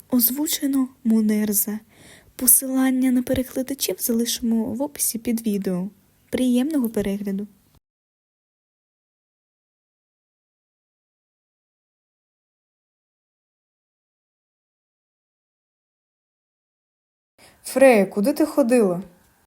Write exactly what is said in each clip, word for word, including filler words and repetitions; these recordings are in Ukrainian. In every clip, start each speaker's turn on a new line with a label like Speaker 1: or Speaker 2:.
Speaker 1: Озвучено Мунерза. Посилання на перекладачів залишимо в описі під відео. Приємного перегляду!
Speaker 2: Фрея, куди ти ходила?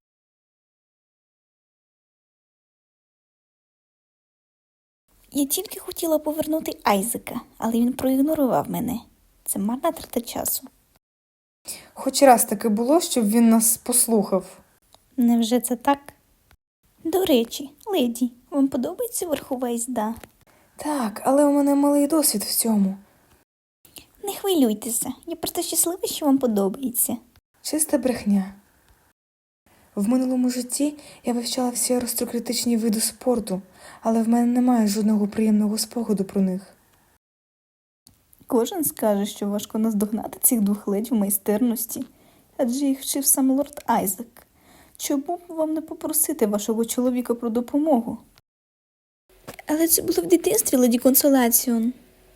Speaker 1: Я тільки хотіла повернути Айзека, але він проігнорував мене. Це марна трата часу.
Speaker 2: Хоч раз таки було, щоб він нас послухав.
Speaker 1: Невже це так? До речі, леді, вам подобається верхова їзда?
Speaker 2: Так, але у мене малий досвід в цьому.
Speaker 1: Не хвилюйтеся, я просто щаслива, що вам подобається.
Speaker 2: Чиста брехня. В минулому житті я вивчала всі аристократичні види спорту, але в мене немає жодного приємного спогаду про них.
Speaker 1: Кожен скаже, що важко наздогнати цих двох ледь в майстерності, адже їх вчив сам лорд Айзек. Чому б вам не попросити вашого чоловіка про допомогу? Але це було в дитинстві, леді Консолаціон.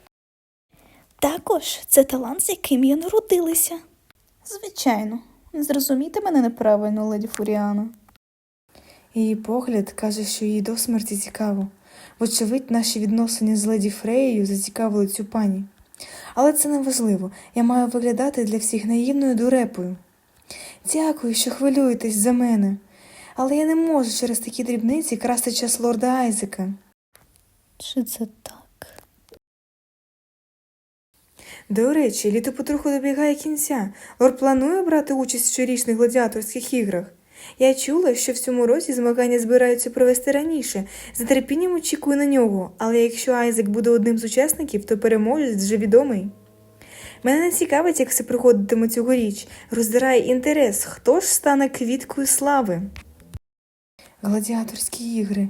Speaker 1: Також це талант, з яким я народилася. Звичайно. Не зрозумійте мене неправильно, леді Фуріана.
Speaker 2: Її погляд каже, що їй до смерті цікаво. Вочевидь, наші відносини з леді Фреєю зацікавили цю пані. Але це не важливо. Я маю виглядати для всіх наївною дурепою. Дякую, що хвилюєтесь за мене. Але я не можу через такі дрібниці красти час лорда Айзека.
Speaker 1: Чи це так?
Speaker 2: До речі, літо потроху добігає кінця. Лорд планує брати участь в щорічних гладіаторських іграх. Я чула, що в цьому році змагання збираються провести раніше. З нетерпінням очікую на нього, але якщо Айзек буде одним з учасників, то переможець вже відомий. Мене не цікавить, як все проходитиме цьогоріч. Роздирає інтерес, хто ж стане квіткою слави. Гладіаторські ігри.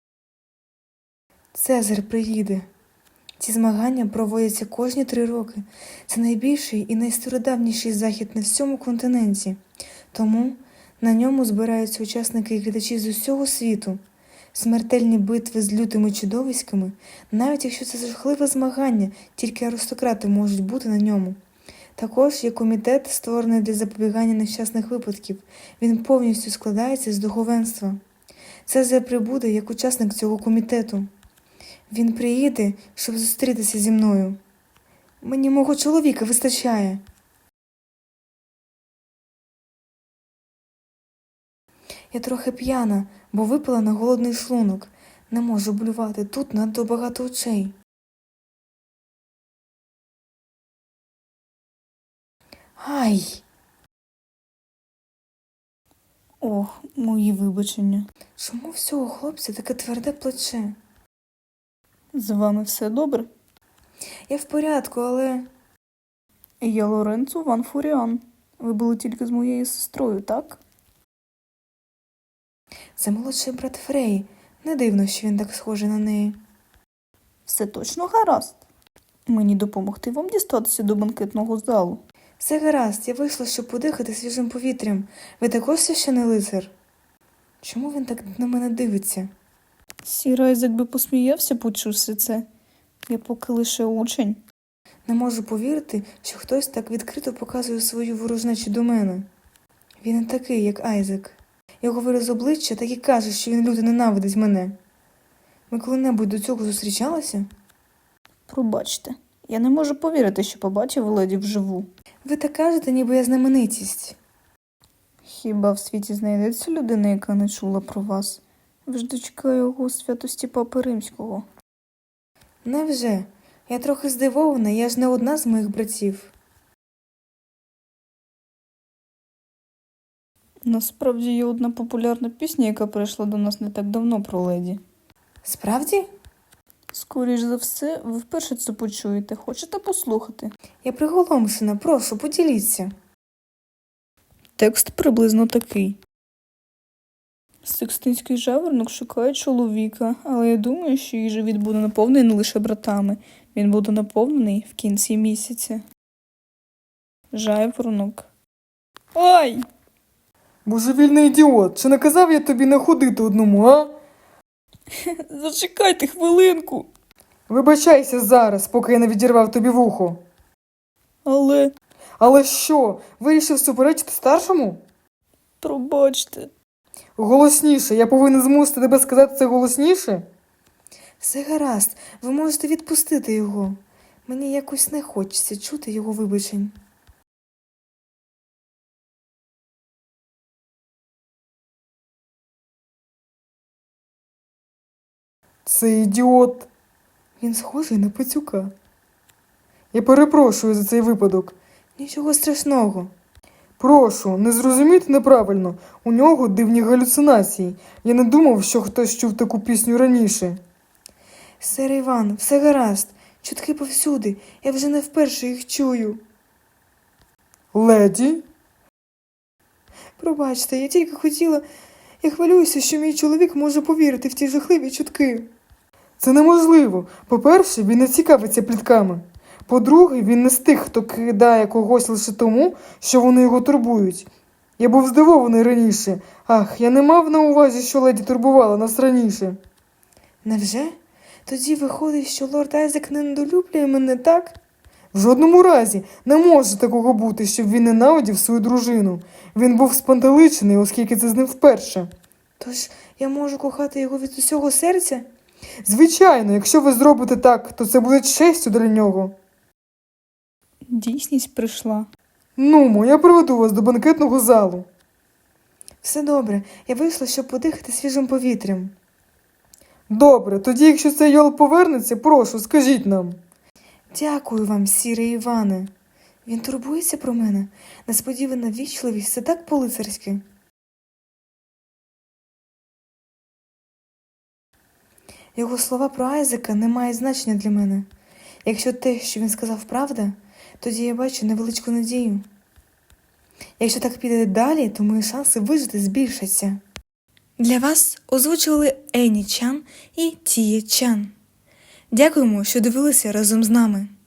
Speaker 2: Цезар приїде. Ці змагання проводяться кожні три роки. Це найбільший і найстародавніший захід на всьому континенті. Тому на ньому збираються учасники і глядачі з усього світу. Смертельні битви з лютими чудовиськами, навіть якщо це жахливе змагання, тільки аристократи можуть бути на ньому. Також є комітет, створений для запобігання нещасних випадків. Він повністю складається з духовенства. Цезар прибуде як учасник цього комітету. Він приїде, щоб зустрітися зі мною. Мені мого чоловіка вистачає. Я трохи п'яна, бо випила на голодний шлунок. Не можу блювати, тут надто багато очей. Ай!
Speaker 1: Ох, мої вибачення.
Speaker 2: Чому в цього хлопця таке тверде плече?
Speaker 1: З вами все добре?
Speaker 2: Я в порядку, але...
Speaker 1: Я Лоренцо Ван Фуріан. Ви були тільки з моєю сестрою, так?
Speaker 2: Це молодший брат Фреї. Не дивно, що він так схожий на неї.
Speaker 1: Все точно гаразд. Мені допомогти вам дістатися до банкетного залу.
Speaker 2: Все гаразд, я вийшла, щоб подихати свіжим повітрям. Ви також священий лицар? Чому він так на мене дивиться?
Speaker 1: Сір Айзек би посміявся, почувши це. Я поки лише учень.
Speaker 2: Не можу повірити, що хтось так відкрито показує свою ворожнечу до мене. Він не такий, як Айзек. Його вираз обличчя так і каже, що він люто ненавидить мене. Ми коли-небудь до цього зустрічалися?
Speaker 1: Пробачте, я не можу повірити, що побачив леді вживу.
Speaker 2: Ви так кажете, ніби я знаменитість.
Speaker 1: Хіба в світі знайдеться людина, яка не чула про вас? Ви ж дочка його святості Папи Римського.
Speaker 2: Невже? Я трохи здивована, я ж не одна з моїх братів.
Speaker 1: Насправді є одна популярна пісня, яка прийшла до нас не так давно про леді.
Speaker 2: Справді?
Speaker 1: Скоріш за все, ви вперше це почуєте. Хочете послухати?
Speaker 2: Я приголомшена, прошу, поділіться.
Speaker 1: Текст приблизно такий. Секстинський жаворонок шукає чоловіка, але я думаю, що її живіт буде наповнений не лише братами. Він буде наповнений в кінці місяця. Жаворонок. Ай!
Speaker 2: Божевільний ідіот, чи не казав я тобі не ходити одному, а?
Speaker 1: Зачекайте хвилинку.
Speaker 2: Вибачайся зараз, поки я не відірвав тобі вухо.
Speaker 1: Але...
Speaker 3: Але що, вирішив суперечити старшому?
Speaker 1: Пробачте.
Speaker 3: Голосніше, я повинен змусити тебе сказати це голосніше?
Speaker 2: Все гаразд, ви можете відпустити його. Мені якось не хочеться чути його вибачень.
Speaker 3: Це ідіот.
Speaker 2: Він схожий на пацюка.
Speaker 3: Я перепрошую за цей випадок.
Speaker 2: Нічого страшного.
Speaker 3: Прошу, не зрозумійте неправильно. У нього дивні галюцинації. Я не думав, що хтось чув таку пісню раніше.
Speaker 2: Сер Іван, все гаразд. Чутки повсюди. Я вже не вперше їх чую.
Speaker 3: Леді?
Speaker 2: Пробачте, я тільки хотіла... Я хвилююся, що мій чоловік може повірити в ті жахливі чутки.
Speaker 3: Це неможливо. По-перше, він не цікавиться плітками. По-друге, він не з тих, хто кидає когось лише тому, що вони його турбують. Я був здивований раніше. Ах, я не мав на увазі, що леді турбувала нас раніше.
Speaker 2: Невже? Тоді виходить, що лорд Айзек не недолюблює мене, так?
Speaker 3: В жодному разі не може такого бути, щоб він ненавидів свою дружину. Він був спантеличений, оскільки це з ним вперше.
Speaker 2: Тож я можу кохати його від усього серця?
Speaker 3: Звичайно, якщо ви зробите так, то це буде честю для нього.
Speaker 1: Дійсність прийшла.
Speaker 3: Нумо, я приведу вас до банкетного залу.
Speaker 2: Все добре, я вийшла, щоб подихати свіжим повітрям.
Speaker 3: Добре, тоді, якщо цей йол повернеться, прошу, скажіть нам.
Speaker 2: Дякую вам, сіре Іване. Він турбується про мене. Несподівана вічливість – це так по-лицарськи. Його слова про Айзека не мають значення для мене. Якщо те, що він сказав, правда, тоді я бачу невеличку надію. Якщо так піде далі, то мої шанси вижити збільшаться. Для вас озвучували Ені Чан і Тіє Чан. Дякуємо, що дивилися разом з нами.